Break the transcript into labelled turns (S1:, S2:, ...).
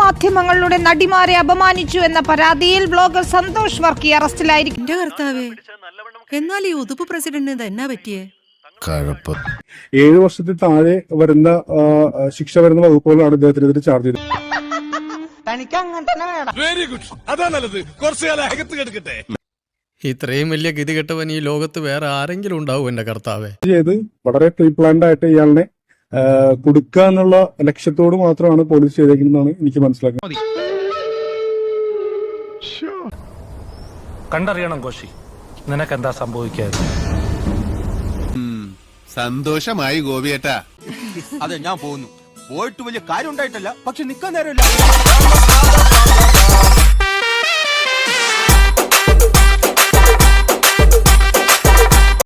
S1: നവമാധ്യമങ്ങളുടെ നടിമാരെ അപമാനിച്ചു എന്ന പരാതിയിൽ ബ്ലോഗർ സന്തോഷ് വർക്കി അറസ്റ്റിലായിരിക്കും.
S2: എന്റെ കർത്താവേ, എന്നാൽ ഈ ഉതുപ്പ് പ്രസിഡന്റിന് എന്നാ പറ്റിയേ?
S3: 7 വർഷത്തിൽ താഴെ വരുന്ന ശിക്ഷ വരുന്ന വകുപ്പുകളാണ് ഇദ്ദേഹത്തിനെതിരെ ചാർജ് ചെയ്തത്.
S4: വെരി ഗുഡ്, അതാ നല്ലത്. കുറച്ചു കാലം അകത്ത് കിടക്കട്ടെ.
S5: ഇത്രയും വലിയ ഗതികെട്ടവൻ ഈ ലോകത്ത് വേറെ ആരെങ്കിലും ഉണ്ടാവും എന്റെ കർത്താവേ.
S3: ചെയ്ത് വളരെ പ്രീ പ്ലാൻഡ് ആയിട്ട് ഇയാളിനെ കൊടുക്കുക എന്നുള്ള ലക്ഷ്യത്തോട് മാത്രമാണ് പോലീസ് ചെയ്തേക്കുന്നതാണ് എനിക്ക് മനസ്സിലാക്കുന്നത്.
S6: കണ്ടറിയണം കോശി, നിനക്കെന്താ സംഭവിക്കാതെ?
S4: സന്തോഷമായി ഗോപിയേട്ടാ.
S7: അതെ, ഞാൻ പോകുന്നു. പോയിട്ട് വലിയ കാര്യം ഉണ്ടായിട്ടല്ല, പക്ഷെ നിക്കാൻ നേരമില്ല.